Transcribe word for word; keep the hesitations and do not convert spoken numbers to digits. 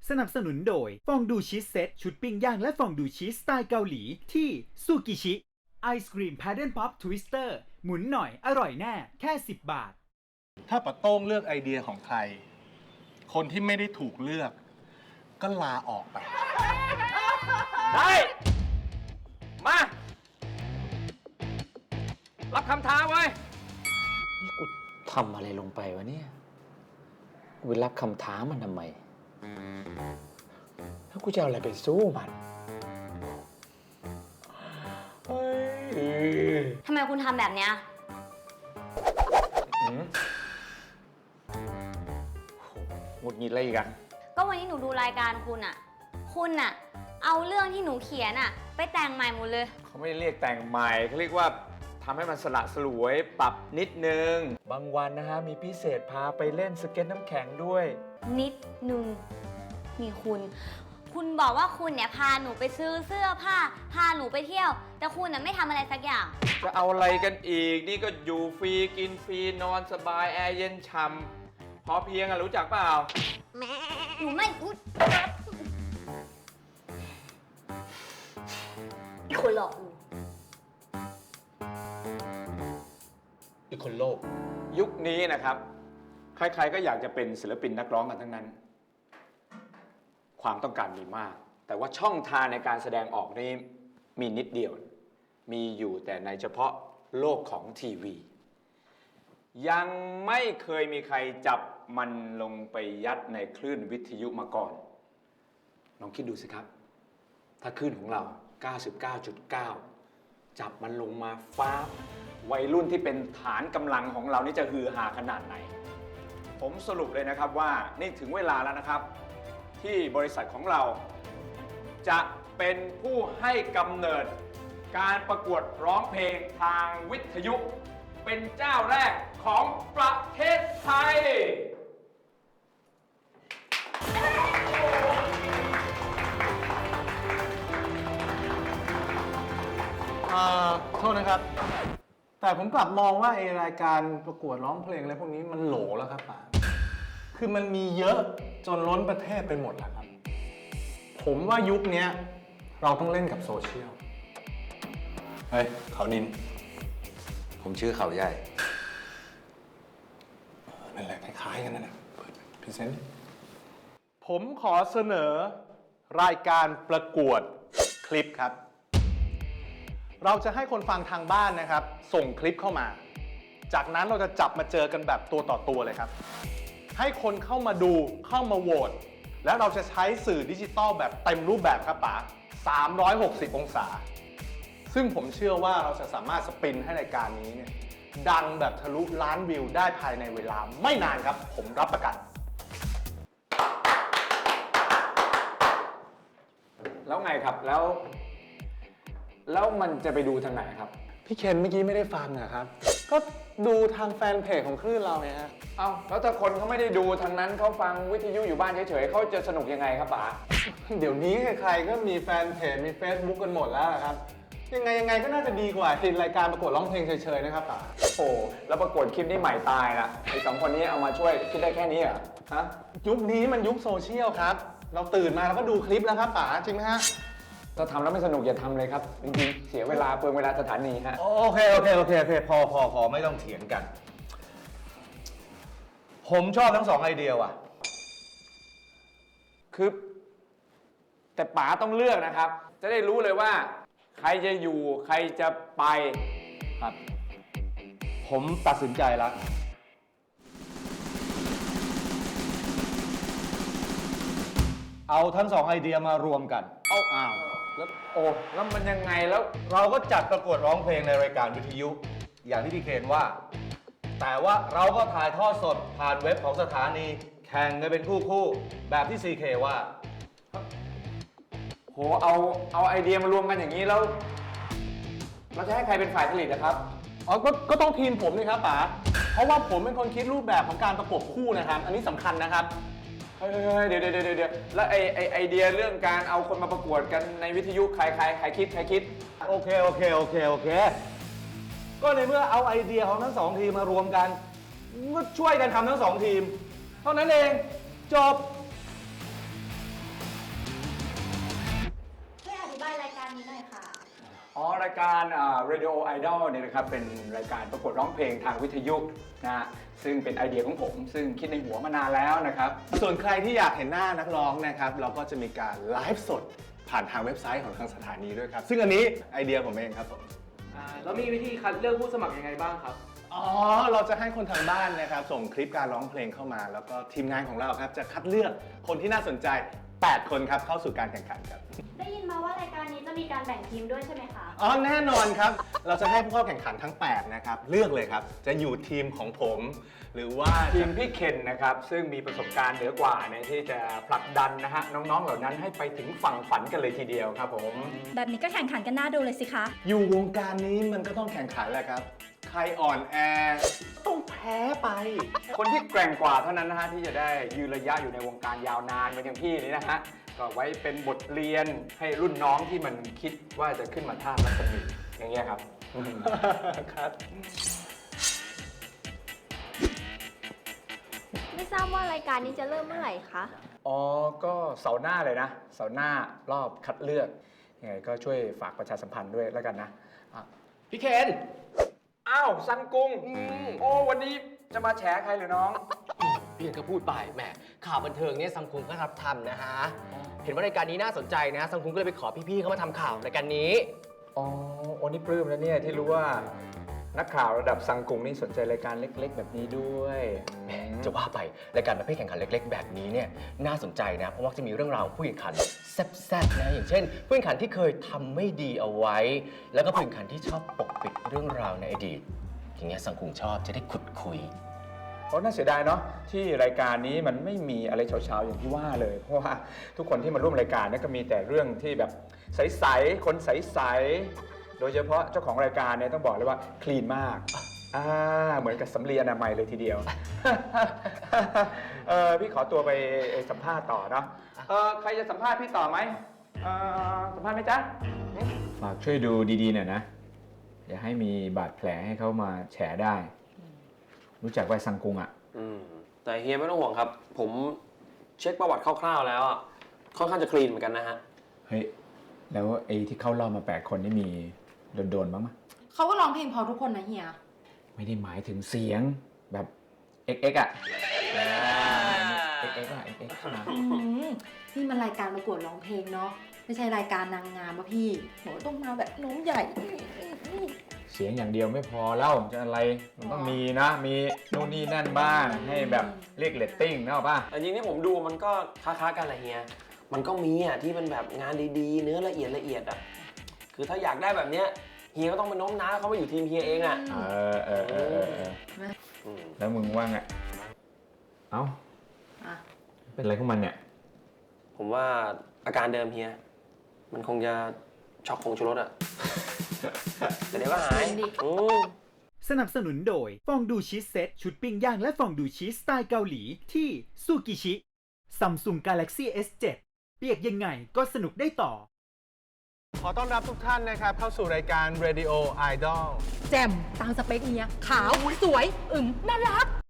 สนับสนุนโดยฟองดูชีสเซ็ตชุดปิ้งย่างและฟองดูชีสสไตล์เกาหลีที่ซูกิชิไอศกรีมแพดเดิลป๊อปทวิสเตอร์หมุนหน่อยอร่อยแน่แค่สิบบาทถ้าปะโต้งเลือกไอเดียของใครคนที่ไม่ได้ถูกเลือกก็ลาออกไปได้มารับคำท้าไว้นี่กูทำอะไรลงไปวะเนี่ยกูไปรับคำท้ามันทำไมแล้วกูจะเอาอะไรไปสู้มันทำไมคุณทำแบบเนี้ยหงุดหงิดอะไรอีกอะก็วันนี้หนูดูรายการคุณอะคุณอะเอาเรื่องที่หนูเขียนอะไปแต่งใหม่หมดเลยเขาไม่เรียกแต่งใหม่เขาเรียกว่าทำให้มันสละสลวยปรับนิดนึงบางวันนะฮะมีพิเศษพาไปเล่นสเก็ตน้ำแข็งด้วยนิดนึงมีคุณคุณบอกว่าคุณเนี่ยพาหนูไปซื้อเสื้อผ้าพาหนูไปเที่ยวแต่คุณน่ะไม่ทำอะไรสักอย่างจะเอาอะไรกันอีกนี่ก็อยู่ฟรีกินฟรีนอนสบายแอร์เย็นฉ่ำพอเพียงอะรู้จักเปล่าหนูไม่พูดอีกคนหลอกหนูอีกคนโลภยุคนี้นะครับใครๆก็อยากจะเป็นศิลปินนักร้องกันทั้งนั้นความต้องการมีมากแต่ว่าช่องทางในการแสดงออกนี้มีนิดเดียวมีอยู่แต่ในเฉพาะโลกของทีวียังไม่เคยมีใครจับมันลงไปยัดในคลื่นวิทยุมาก่อนลองคิดดูสิครับถ้าคลื่นของเรา เก้าสิบเก้าจุดเก้า จับมันลงมาฟ้าวัยรุ่นที่เป็นฐานกำลังของเรานี่จะฮือฮาขนาดไหนผมสรุปเลยนะครับว่านี่ถึงเวลาแล้วนะครับที่บริษัทของเราจะเป็นผู้ให้กำเนิดการประกวดร้องเพลงทางวิทยุเป็นเจ้าแรกของประเทศไทยอ่าโทษนะครับแต่ผมกลับมองว่าไอรายการประกวดร้องเพลงอะไรพวกนี้มันโหลแล้วครับป๋าคือมันมีเยอะจนล้นประเทศไปหมดแล้วครับผมว่ายุคนี้เราต้องเล่นกับโซเชียลเฮ้ยเขานินผมชื่อเขาใหญ่นั่นแหละคล้ายๆกันนั่นแหละพรีเซนต์ผมขอเสนอรายการประกวดคลิปครับเราจะให้คนฟังทางบ้านนะครับส่งคลิปเข้ามาจากนั้นเราจะจับมาเจอกันแบบตัวต่อตัวเลยครับให้คนเข้ามาดูเข้ามาโหวตและเราจะใช้สื่อดิจิตอลแบบเต็มรูปแบบครับป๋าสามร้อยหกสิบองศาซึ่งผมเชื่อว่าเราจะสามารถสปินให้รายการนี้เนี่ยดังแบบทะลุล้านวิวได้ภายในเวลาไม่นานครับผมรับประกันแล้วไงครับแล้วแล้วมันจะไปดูทางไหนครับพี่เคนเมื่อกี้ไม่ได้ฟังอะครับก็ดูทางแฟนเพจของคลื่นเราไงฮะเอ้าแล้วถ้าคนเขาไม่ได้ดูทางนั้นเขาฟังวิทยุอยู่บ้านเฉยๆเขาจะสนุกยังไงครับป๋าเดี๋ยวนี้ใครๆก็มีแฟนเพจมี Facebook กันหมดแล้วครับยังไงยังไงก็น่าจะดีกว่าทีรายการประกวดร้องเพลงเฉยๆนะครับป๋าโอ้แล้วประกวดคลิปนี้ใหม่ตายละไอ้สองคนนี้เอามาช่วยคิดได้แค่นี้เหรอฮะยุคนี้มันยุคโซเชียลครับเราตื่นมาแล้วก็ดูคลิปแล้วครับป๋าจริงไหมฮะถ้าทำแล้วไม่สนุกอย่าทำเลยครับจริงๆเสียเวลาเปลืองเวลาสถานีฮะโอเคโอเคโอเคโอเคพอพอพอไม่ต้องเถียงกันผมชอบทั้งสองไอเดียว่ะคือแต่ป๋าต้องเลือกนะครับจะได้รู้เลยว่าใครจะอยู่ใครจะไปครับผมตัดสินใจแล้วเอาทั้งสองไอเดียมารวมกันเอาอ้าวแล้วโอ้แล้วมันยังไงแล้วเราก็จัดประกวดร้องเพลงในรายการวิทยุอย่างที่พี่เคนว่าแต่ว่าเราก็ถ่ายทอดสดผ่านเว็บของสถานีแข่งกันเป็นคู่คู่แบบที่ ซี เค ว่าโหเอาเอาไอเดียมารวมกันอย่างนี้แล้วเราจะให้ใครเป็นฝ่ายผลิตนะครับอ๋อก็ก็ต้องทีมผมนี่ครับป๋าเพราะว่าผมเป็นคนคิดรูปแบบของการประกบคู่นะครับอันนี้สำคัญนะครับเฮ้ยเดี๋ยวเดี๋ยวเดี๋ยวแล้วไอไอไอเดียเรื่องการเอาคนมาประกวดกันในวิทยุใครใครใครคิดใครคิดโอเคโอเคโอเคโอเคก็ในเมื่อเอาไอเดียของทั้งสองทีมมารวมกันก็ช่วยกันทำทั้งสองทีมเท่านั้นเองจบอ๋อรายการอ่า Radio Idol เนี่ยนะครับเป็นรายการประกวดร้องเพลงทางวิทยุนะฮะซึ่งเป็นไอเดียของผม ซึ่งคิดในหัวมานานแล้วนะครับส่วนใครที่อยากเห็นหน้านักร้องนะครับ เราก็จะมีการไลฟ์สดผ่านทางเว็บไซต์ของทางสถานีด้วยครับ ซึ่งอันนี้ไอเดียผมเองครับผมอ่าแล้วมีวิธีคัดเลือกผู้สมัครยังไงบ้างครับอ๋อ เราจะให้คนทางบ้านนะครับ ส่งคลิปการร้องเพลงเข้ามา แล้วก็ทีมงานของเราครับจะคัดเลือกคนที่น่าสนใจ แปด คนครับเข้าสู่การแข่งขันครับได้ยินมาว่ารายการนี้จะมีการแบ่งทีมด้วยใช่ไหมคะอ๋อ แน่นอนครับ เราจะให้ผู้เข้าแข่งขันทั้ง แปด นะครับ เลือกเลยครับ จะอยู่ทีมของผม หรือว่าทีจะมพี่เคนนะครับซึ่งมีประสบการณ์เหนือกว่าในที่จะผลักดันนะฮะน้องๆเหล่านั้นให้ไปถึงฝั่งฝันกันเลยทีเดียวครับผมแบบนี้ก็แข่งขันกันน่าดูเลยสิคะอยู่วงการนี้มันก็ต้องแข่งขันแหละครับ ใครอ่อนแอต้องแพ้ไปคนที่แกร่งกว่าเท่านั้นนะฮะที่จะได้ยืนระยะอยู่ในวงการยาวนานเหมือนอย่างพี่นี่นะฮะก็ไว้เป็นบทเรียนให้รุ่นน้องที่มันคิดว่าจะขึ้นมาท่ารัศมีอย่างเงี้ยครับครับไม่ทราบว่ารายการนี้จะเริ่มเมื่อไหร่คะอ๋อ ก็เสาร์หน้าเลยนะ เสาร์หน้ารอบคัดเลือก ยังไงก็ช่วยฝากประชาสัมพันธ์ด้วยแล้วกันนะอ่ะพี่เคนอ้าวซันกุงโอ้วันนี้จะมาแฉใครเหรือน้องพี่เคนก็พูดไปแหมข่าวบันเทิงเนี่ยซัมคุงก็รับทำนะฮะ เห็นว่ารายการนี้น่าสนใจนะซัมคุงก็เลยไปขอพี่ๆเขามาทำข่าวรายการนี้อ๋อโอ้นี่ปลื้มแล้วเนี่ยที่รู้ว่านักข่าวระดับซังกุงนี่สนใจรายการเล็กๆ แบบนี้ด้วยแหมจะว่าไปรายการประเภทแข่งขันเล็กๆ แบบนี้เนี่ยน่าสนใจนะ เพราะว่าจะมีเรื่องราวของผู้แข่งขันแซ่บๆนะอย่างเช่น ผู้แข่งขันที่เคยทำไม่ดีเอาไว้ แล้วก็ผู้แข่งขันที่ชอบปกปิดเรื่องราวในอดีต อย่างเงี้ยสังคุงชอบจะได้ขุดคุยเพราะน่าเสียดายเนาะที่รายการนี้มันไม่มีอะไรเช้าๆอย่างที่ว่าเลย เพราะว่าทุกคนที่มาร่วมรายการเนี่ยก็มีแต่เรื่องที่แบบใสๆคนใสๆโดยเฉพาะเจ้าของรายการเนี่ยต้องบอกเลยว่าคลีนมากอ่าเหมือนกับสำลีอนามัยเลยทีเดียว เออพี่ขอตัวไปสัมภาษณ์ต่อเนาะเออใครจะสัมภาษณ์พี่ต่อไหมเออสัมภาษณ์ไหมจ๊ะฝากช่วยดูดีๆหน่อยนะอย่าให้มีบาดแผลให้เขามาแฉได้ รู้จักไว้ซังกุงอ่ะอืมแต่เฮียไม่ต้องห่วงครับ ผมเช็คประวัติคร่าวๆแล้วอะค่อนข้างจะคลีนเหมือนกันนะฮะเฮ้ย แล้วไอ้ที่เข้ารอบมาแปดคนนี่มีโดนๆบ้างไหมเขาก็ร้องเพลงพอทุกคนนะเฮียไม่ได้หมายถึงเสียงแบบ เอ็กซ์ เอ็กซ์ อ่ะ เอ็กซ์ เอ็กซ์ อ่ะ เอ็กซ์ เอ็กซ์ อ่ะอืมนี่มันรายการประกวดร้องเพลงเนาะ ไม่ใช่รายการนางงามป่ะพี่โหต้องมาแบบน้องใหญ่เสียงอย่างเดียวไม่พอแล้วจะอะไร มันต้องมีนะ มีนู่นนี่นั่นบ้าง ให้แบบเรียกเรตติ้งนะป่ะแต่จริงๆที่ผมดูมันก็ค้าๆกันแหละเฮีย มันก็มีอ่ะที่เป็นแบบงานดีๆ เนื้อละเอียดละเอียดอ่ะ คือถ้าอยากได้แบบเนี้ยเฮียก็ต้องไปโน้มน้าวเขามาอยู่ทีมเฮียเองอ่ะเออเออเออเออเอออืมแล้วมึงว่าไง เอ้าอ่ะเป็นอะไรของมันเนี่ยผมว่าอาการเดิมเฮีย มันคงจะช็อกคงชูรสอ่ะ แต่เดี๋ยวก็หายอืมสนับสนุนโดยฟองดูชีสเซ็ตชุดปิ้งย่างและฟองดูชีสสไตล์เกาหลีที่ซูกิชิ Samsung Galaxy เอส เซเว่น เปียกยังไงก็สนุกได้ต่อขอต้อนรับทุกท่านนะครับเข้าสู่รายการ Radio Idol แจ่มตามสเปคเฮีย ขาว สวย อึมน่ารัก